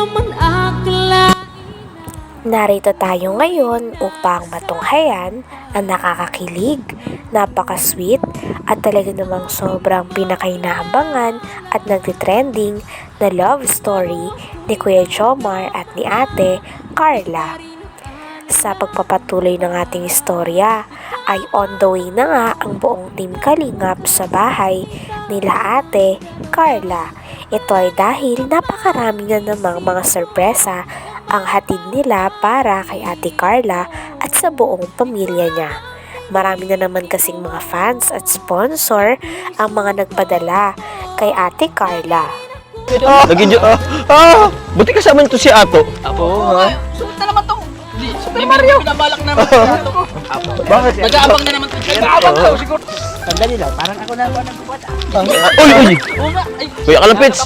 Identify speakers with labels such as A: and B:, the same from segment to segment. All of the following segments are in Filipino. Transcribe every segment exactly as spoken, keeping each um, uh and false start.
A: man akla.
B: Narito tayo ngayon upang matunghayan ang nakakakilig, napaka-sweet at talaga namang sobrang pinakainaabangan at nagtitrending na love story ni Kuya Jomar at ni Ate Carla. Sa pagpapatuloy ng ating istorya ay on the way na nga ang buong Team Kalingap sa bahay nila Ate Carla. Ito ay dahil napakarami na namang mga sorpresa ang hatid nila para kay Ate Carla at sa buong pamilya niya. Marami na naman kasing mga fans at sponsor ang mga nagpadala kay Ate Carla.
C: Ah, Naging ah, ah, buti kasama nito si Ato.
D: Apo,
C: Ha?
D: sulit na naman to. Super Mario. Pinabalak naman si Ato ko.
C: Bakit?
D: Nag-aabang na naman to. Nag-aabang to, siguro.
E: Sandali lang, parang ako na ang bumata.
C: Ah, uy, uy!
D: Oo nga. Ay,
C: Kuya Kalapits!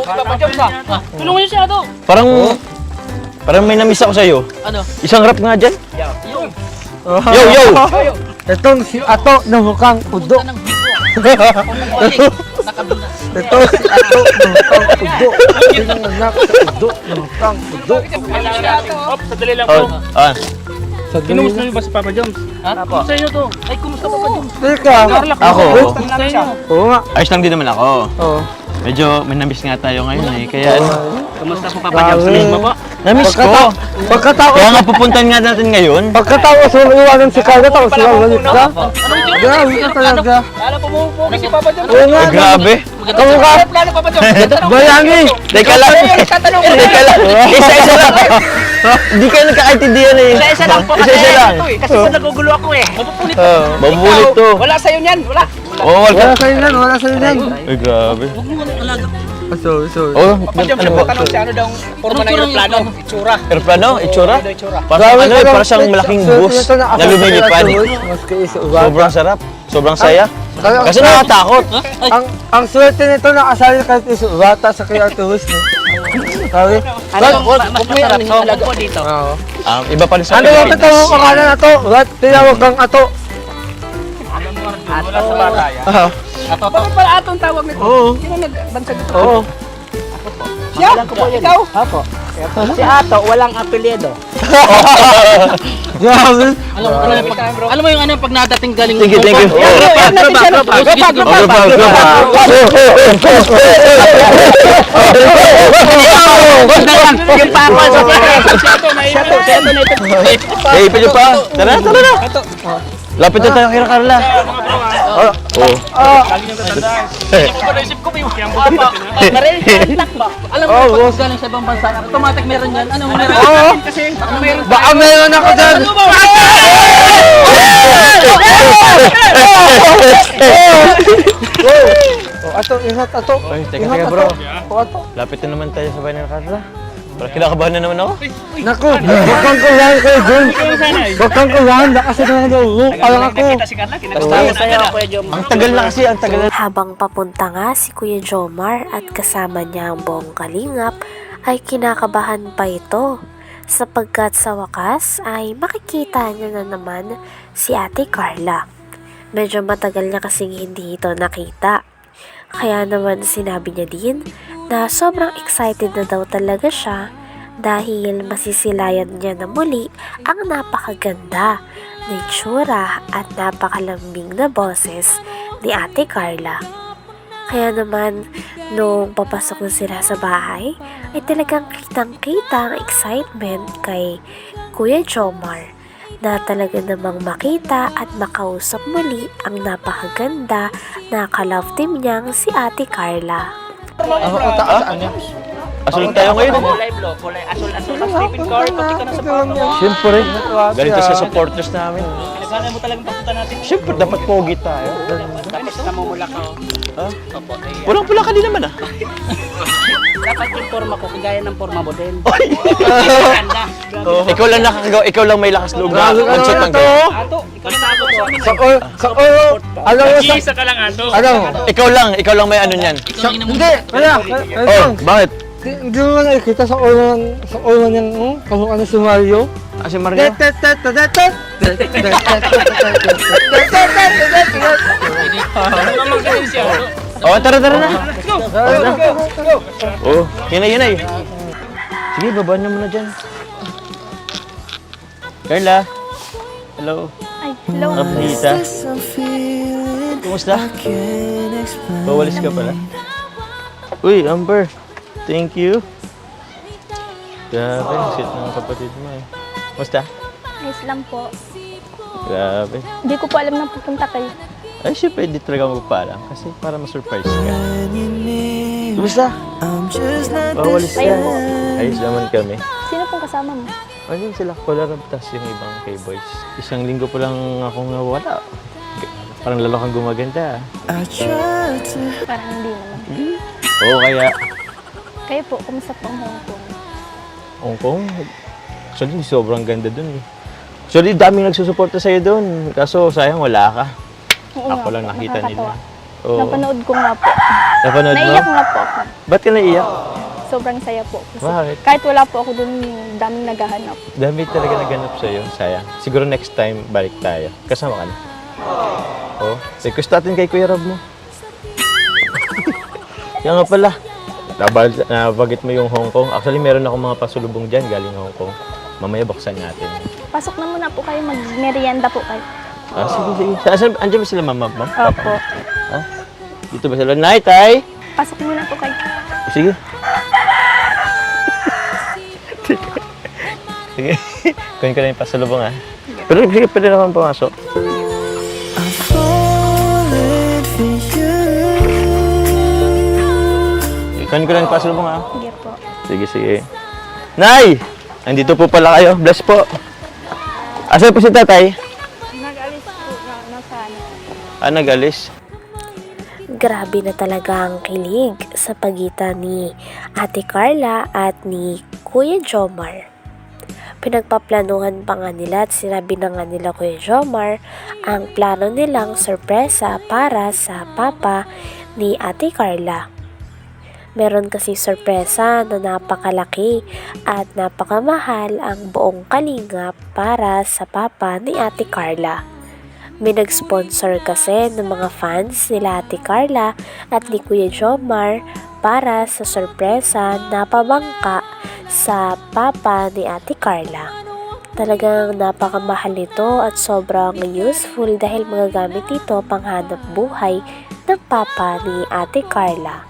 D: tulungan niyo si Ato.
C: Parang, parang may namiss ako sa'yo.
D: Ano?
C: Isang rap nga dyan.
D: Yung.
C: Yo, yo!
E: Itong si Ato na mukhang udo.
D: Anong bigo? Nakabina.
E: Ito si Ato na mukhang udo. Tingnan anak sa udo na mukhang udo.
D: Op, sadali lang
C: Oh, ah,
E: Kinumus na
D: ba si Papa Joms? Ha? Kumusta inyo to? Ay, kumusta Papa Joms?
E: Tika.
C: ako.
D: Kumusta inyo?
E: Oo nga.
C: Ayos lang din naman ako.
E: Oo.
C: Medyo may namiss nga tayo ngayon eh. Kaya ano,
D: Kumusta po Papa Joms? Sabihin mo po.
C: namiss ko.
E: Pagkatapos,
C: Kaya nga pupuntahan nga natin ngayon.
E: pagkatapos mo iwanan si Carla, tapos sila ulit ka.
D: Anong yun?
E: Grabe ka talaga.
D: Lalo pumupuki si Papa Joms.
E: Oo nga.
C: Ay, grabe.
E: Kamu ka.
D: Plano Papa Joms.
E: Bayani.
C: Teka lang. Teka lang. Isa-isa lang. Hindi kayo nagkakaintindihan eh.
D: Isa-isa lang po kasi.
C: Isa-isa lang.
D: Kasi sa nagugulo ako eh. Mapupunit.
C: Oh, mabubulit to.
D: Wala sa'yo niyan. Wala.
C: Oh,
E: Wala
C: wala.
E: sa'yo yan, wala sa'yo yan.
C: Ay, grabe.
D: Huwag mo nang alaga.
E: So, so.
C: Oh,
D: Papa Joms,
C: ano po?
D: tanong si ano daw forma ng aeroplano. Itsura.
C: Aeroplano? Itsura?
D: Ano itsura?
C: Parang ano eh, parang siyang malaking bus na lumilipad.
E: Maski isa ubat.
C: Sobrang sarap. Sobrang saya.
E: Kaya-
C: Kasi nakakatakot.
E: Ang ang swerte nito na asali kahit iso bata sa kaya tuwis no. Sabi?
D: Ano mas masarap to? Alaga po dito.
E: Oo.
C: Um, iba pa rin sa
E: Ano yung
C: Pilipinas.
E: tawag ko kana na to? What tinawag kang ato?
D: Wala sa bata yan.
E: Ah.
D: Ato. Bakit pala atong tawag nito?
E: Oo.
D: Sino nagbansag ito?
E: Oo.
D: Siya? Ikaw?
E: Apo.
D: Si Ato, walang apelyido.
E: Grabe.
D: Alam mo, alam mo, pag, alam mo yung ano, pag nadating galing
C: Thank you, thank you.
D: Yeah, yeah, yeah, natin siya.
E: Group up,
D: Sige, sige,
E: group up,
D: group up.
C: Group up,
D: Yung papa sa Siya to, siya to na ito.
C: Eh, pwede pa. Tara, tara na. Lapit na tayo kay Carla. Oh. Oh.
D: Naisip ko ba yung papa? Narinig ba? Alam mo, pag galing sa ibang bansa, automatic meron yan. Ano meron?
E: Oo.
D: Kasi meron
E: Baka meron ako dyan. Oh, ato, ingat ato.
C: Ay, teka,
E: Ingat,
C: teka, bro.
E: ato. Oh, ato.
C: Lapit na naman tayo sa bahay ng Carla. Parang kinakabahan na naman ako.
E: Naku, wag kang kulang kayo dun. Wag kang kulang, lakas na nga daw. Alam ako.
D: Tama sa'yo, Kuya Jom.
C: Ang tagal na kasi, ang tagal na.
B: Habang papunta nga si Kuya Jomar at kasama niya ang buong Kalingap ay kinakabahan pa ito sapagkat sa wakas ay makikita niya na naman si Ate Carla. Medyo matagal niya kasing hindi ito nakita. Kaya naman sinabi niya din na sobrang excited na daw talaga siya dahil masisilayan niya na muli ang napakaganda na itsura at napakalambing na boses ni Ate Carla. Kaya naman, nung papasok na sila sa bahay, ay talagang kitang-kita ang excitement kay Kuya Jomar na talaga namang makita at makausap muli ang napakaganda na ka-love team niyang si Ate Carla.
E: Ako ko taas ano?
C: Asul tayo ngayon.
D: Kulay blue, kulay asul-asul ang sleeping car. Pati ka na sa papa mo.
C: Siyempre. Ganito sa supporters namin.
D: Pinagana mo talagang papunta natin.
C: Siyempre, dapat pogi tayo.
D: Tapos namumula ka.
C: Ha?
D: Opo, ay,
C: Walang pula ka din naman ah.
D: dapat yung forma ko, kagaya ng forma mo din.
C: Oy!
D: Ganda.
C: Ikaw lang nakakagawa, ikaw lang may lakas loob na
E: Grabe ka
C: mag-shoot
E: naman
C: ng
E: to.
C: ganyan.
D: Ato, ikaw na ako sa amin.
E: Sa all, sa all, alam mo sa...
D: ka lang, Ato.
E: Ano?
C: Ikaw lang, ikaw lang may ano niyan.
D: Ikaw lang
E: Hindi, wala.
C: Oh, bakit?
E: Hindi mo nakikita sa all man, sa all man yung, hmm, kamukha na si Mario.
C: Ah, si Mario? Oh, tara, tara na. Oh, yun na, yun na. Sige, babaan niyo muna dyan. Carla. Hello.
A: Ay, hello.
C: Kapnita. Kumusta? Bawalis ka pala. Uy, Amber. Thank you. Grabe, ang sweet ng kapatid mo eh. Kumusta?
A: Ayos lang po.
C: Grabe.
A: Hindi ko po alam na pupunta kayo.
C: Ay, syempre, hindi talaga magpaalam kasi para ma-surprise ka. Kumusta? Bawalis ka.
A: Ayun po.
C: Ayos naman kami.
A: Sino pong kasama mo?
C: Ayun sila, Polarab, tas yung ibang K-boys. Isang linggo po lang akong nawala. Parang lalo kang gumaganda.
A: Parang hindi naman.
C: Oo, kaya
A: Kayo po, kumusta po ang Hong Kong?
C: Hong Kong, actually sobrang ganda dun eh. Actually, daming nagsusuporta sa'yo dun. Kaso sayang wala ka.
A: Oo
C: Ako
A: nga
C: lang
A: po,
C: nakita nila.
A: nakakatawa.
C: Oo.
A: Napanood ko nga po.
C: Napanood mo?
A: Naiyak nga po ako.
C: Ba't ka naiyak?
A: Sobrang saya po. Kasi
C: Bakit?
A: kahit wala po ako dun, daming naghahanap.
C: Dami talaga naganap sa'yo. Sayang. Siguro next time, balik tayo. Kasama ka na. Oo. Request natin kay Kuya Rob mo. Kaya nga pala. Nabal- Nabagit mo yung Hong Kong. Actually, meron ako mga pasulubong dyan galing Hong Kong. Mamaya buksan natin.
A: Pasok na muna po kayo, mag-merienda po kayo.
C: Ah, sige, sige. Saan, andiyan ba sila, mama? ma'am?
A: Opo.
C: Ha? Dito ba sila? Night, tay!
A: Pasok muna po kayo.
C: Sige. Sige. Kunin ko na yung pasalubong, ha? Pero sige, pwede naman pumasok. Kunin ko na yung pasalubong, ha?
A: Sige po.
C: Sige, sige. Nay! Andito po pala kayo. Bless po. Asan po si tatay?
A: Nag-alis po na, nasa ano.
C: Ah, nag-alis.
B: Grabe na talaga ang kilig sa pagitan ni Ate Carla at ni Kuya Jomar. Pinagpaplanuhan pa nga nila at sinabi na nga nila Kuya Jomar ang plano nilang sorpresa para sa papa ni Ate Carla. Meron kasi sorpresa na napakalaki at napakamahal ang buong kalingap para sa papa ni Ate Carla. May nag-sponsor kasi ng mga fans nila Ate Carla at ni Kuya Jomar para sa sorpresa na pabangka sa papa ni Ate Carla. Talagang napakamahal nito at sobrang useful dahil magagamit ito panghanap buhay ng papa ni Ate Carla.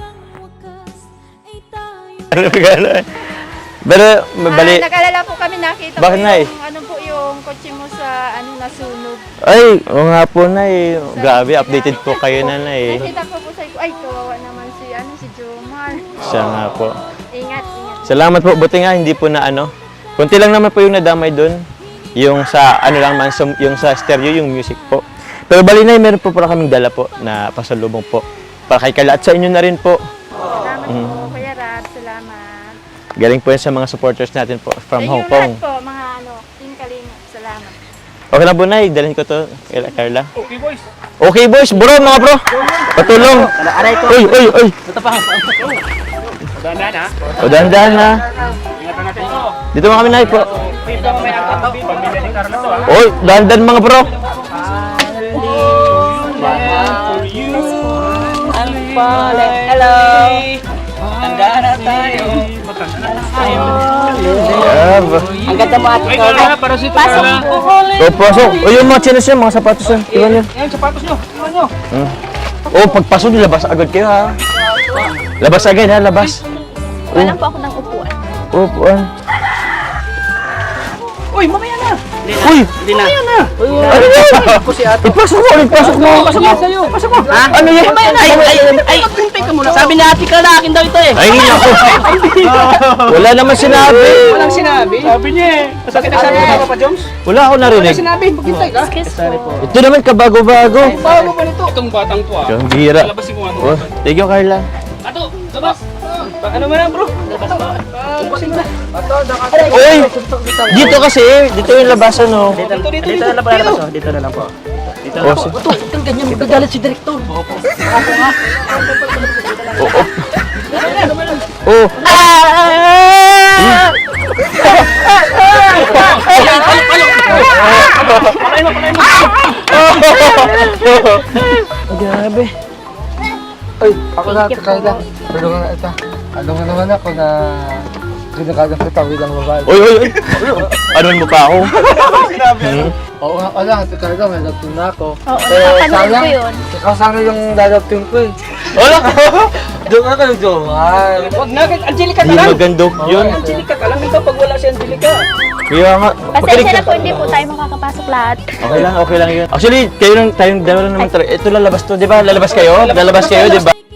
C: Ano gano'n? Pero, mabali.
F: Ah, nag-alala po kami, nakita
C: Bakit,
F: ko
C: Nay?
F: yung, ano po yung kotse mo sa ano nasunog.
C: Ay, oo nga po, Nay. Grabe, updated po kayo na, Nay.
F: Nakita ko po sa ko, ay kawawa naman si ano si Jomar.
C: Siya nga po.
F: Ingat, ingat.
C: Salamat po. Buti nga, hindi po na ano. Kunti lang naman po yung nadamay doon. Yung sa, ano lang man, sa- yung sa stereo, yung music po. Pero bali, Nay, meron po pala kaming dala po na pasalubong po. Para kay Carla at sa inyo na rin po.
F: Salamat
C: Mm.
F: po, Kuya Rab. Salamat.
C: Galing po yan sa mga supporters natin po from
F: Sa
C: Hong
F: inyo
C: Kong.
F: lahat po, mga ano, Team Kalinga. Salamat.
C: Okay lang po, Nay. Dalhin ko to kay Carla.
D: Okay, boys.
C: Okay, boys. Bro, mga bro. Patulong.
D: Aray ko.
C: Uy, uy, uy.
D: Ito pa. Dandan ha.
C: O, dahan-dahan ha.
D: Ingatan natin ito.
C: Dito mga kami, Nay po.
D: Ito may agad ito. Pamilya ni Carla to ha.
C: Oy, dahan-dahan mga bro.
D: Hello. Tandaan na tayo. Matanda na tayo.
C: Yeah,
D: Ang ganda mo ate Carla. Para si Carla.
C: O, pasok. O, yung mga chinos yan, mga sapatos yan. Iwan yan.
D: Yan, sapatos nyo. Iwan nyo.
C: O, pagpasok, labas agad kayo ha. Labas agad ha, labas.
A: Wala po ako ng upuan.
C: O, puan.
D: Uy, mamaya na.
C: Uy!
D: Hindi na. Mamaya na.
C: Ano yan?
D: Ako si ate.
C: Ipasok mo, ipasok mo.
D: Pasok mo sa'yo. Pasok mo. Ha?
C: Ano yan?
D: Mamaya na. Ay, ay, ay. Maghintay ka muna. Sabi ni ate Carla, akin daw ito eh.
C: Ay, ako. Wala naman sinabi.
D: Walang sinabi. Sabi niya eh. Bakit nagsabi ka Papa Joms?
C: Wala ako narinig.
D: Sinabi, maghintay ka.
A: Excuse po.
C: Ito naman kabago-bago.
D: Bago pa nito. Itong batang to ah.
C: Ang gira.
D: Labasin mo nga.
C: Oh, thank you, Carla.
D: Ato, labas. Ano mo na bro? Labas mo. Labasin mo na.
C: Uy! Dito kasi, dito yung labasan, oh.
D: Dito, dito, dito. na lang po labas oh. Dito na lang po. Dito
C: Oh, si-
D: Ito, itong ganyan. Magagalit si Direktor. Opo. Opo nga.
C: Oh.
D: Pakain mo, pakain mo.
C: Grabe.
E: Ay, ako na, Carla. Tulungan na ito. Tulungan naman ako na Kinakagang kita bilang babae.
C: Uy, uy, uy. Ano mo pa ako? Hmm.
E: Oo nga pala, talaga may dadating na ako.
A: Oo,
E: Eh,
A: napanood
E: sayang,
A: ko yun.
E: ikaw sana yung dadating ko eh.
C: Wala.
E: Doon ka kayo, Jomar.
D: Wag na, Angelica ka
C: Hindi
D: lang.
C: maganda yun.
D: Angelica ka lang dito pag wala si Angelica.
C: Kaya nga.
A: Pasensya na po, hindi po tayo makakapasok lahat.
C: Okay lang, okay lang yun. Actually, kayo lang, tayong dalawa lang naman. Ito lalabas to, di ba? Lalabas kayo? Lalabas kayo, di ba?